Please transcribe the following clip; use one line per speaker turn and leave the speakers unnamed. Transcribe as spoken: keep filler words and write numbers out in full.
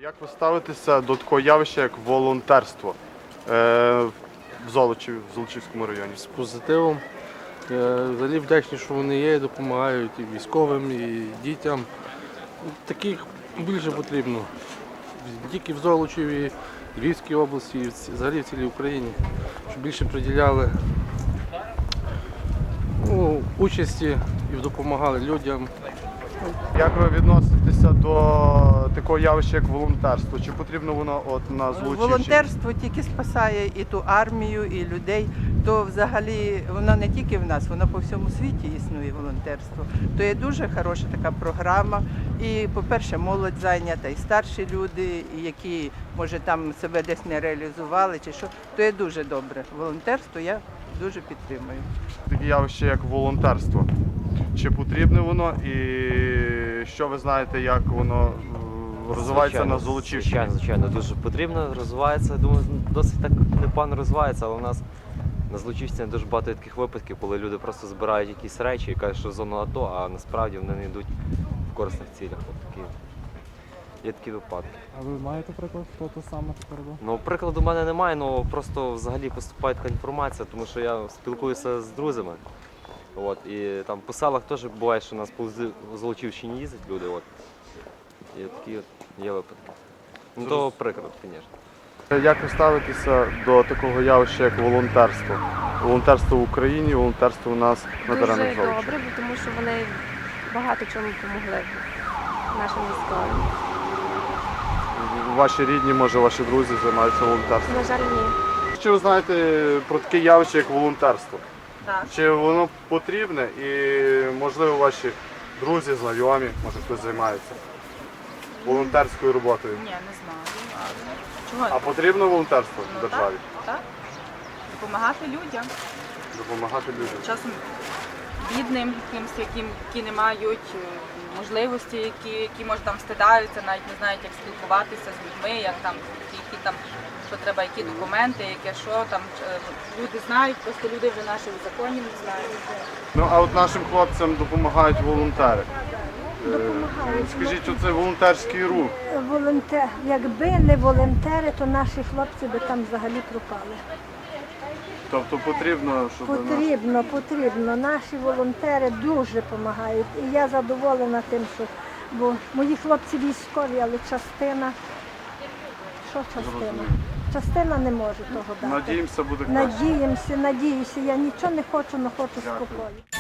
Як ви ставитеся до такого явища, як волонтерство е, в Золочеві, в Золочівському районі?
З позитивом. Я взагалі вдячний, що вони є, і допомагають і військовим, і дітям. Таких більше потрібно. Не тільки в Золочеві, Львівській області, і взагалі в цілій Україні, щоб більше приділяли ну, участі і допомагали людям.
Як ви відноситеся до такого явища, як волонтерство? Чи потрібно воно от на Золочівщині?
Волонтерство тільки спасає і ту армію, і людей. То взагалі воно не тільки в нас, воно по всьому світі існує волонтерство. То є дуже хороша така програма. І, по-перше, молодь зайнята, і старші люди, і які, може, там себе десь не реалізували, чи що. То є дуже добре. Волонтерство я дуже підтримую.
Таке явище, як волонтерство. Чи потрібне воно і що ви знаєте, як воно е, розвивається
Звичайно,
на Золочівщині?
Звичайно, звичайно, дуже потрібно, розвивається. Думаю, досить так непогано розвивається, але у нас на Золочівщині дуже багато таких випадків, коли люди просто збирають якісь речі і кажуть, що зона АТО, а насправді вони не йдуть в корисних цілях. От такі, є такі випадки.
А ви маєте приклад, хто то саме робив?
Ну, прикладу в мене немає, але просто взагалі поступає така інформація, тому що я спілкуюся з друзями. От, і там по селах теж буває, що у нас по Золочівщині їздять люди. От. І такі от є випадки. Ну, то приклад, звісно.
Як ви ставитеся до такого явища, як волонтерство? Волонтерство в Україні, волонтерство у нас на
Дуже
теренах Золочева.
добре, бо тому що вони багато чому допомогли нашим військовим.
Ваші рідні, може, ваші друзі займаються волонтерством?
На жаль, ні.
Що ви знаєте про таке явище, як волонтерство?
Так.
Чи воно потрібне і, можливо, ваші друзі, знайомі, може хтось займається волонтерською роботою?
Ні, не знаю. Чого?
А потрібно волонтерство
Ну,
в державі?
Так, так. Допомагати людям.
Допомагати людям.
Часом бідним, якимсь, яким, які не мають е, можливості, які, які може там стидаються, навіть не знають, як спілкуватися з людьми, як там, які там, що треба, які документи, яке що там. е, Люди знають, просто люди вже наших законів не знають.
Ну, а от нашим хлопцям допомагають волонтери. Е,
Допомагають.
Скажіть, оце волонтерський рух.
Волонтер, якби не волонтери, то наші хлопці би там взагалі пропали.
Тобто потрібно, щоб нас...
Потрібно, потрібно. Наші волонтери дуже допомагають. І я задоволена тим, що бо мої хлопці військові, але частина. Що частина? Частина не може того дати.
Надіємося, буде краще.
Надіємося, надіюся. Я нічого не хочу, але хочу
Дякую.
спокою.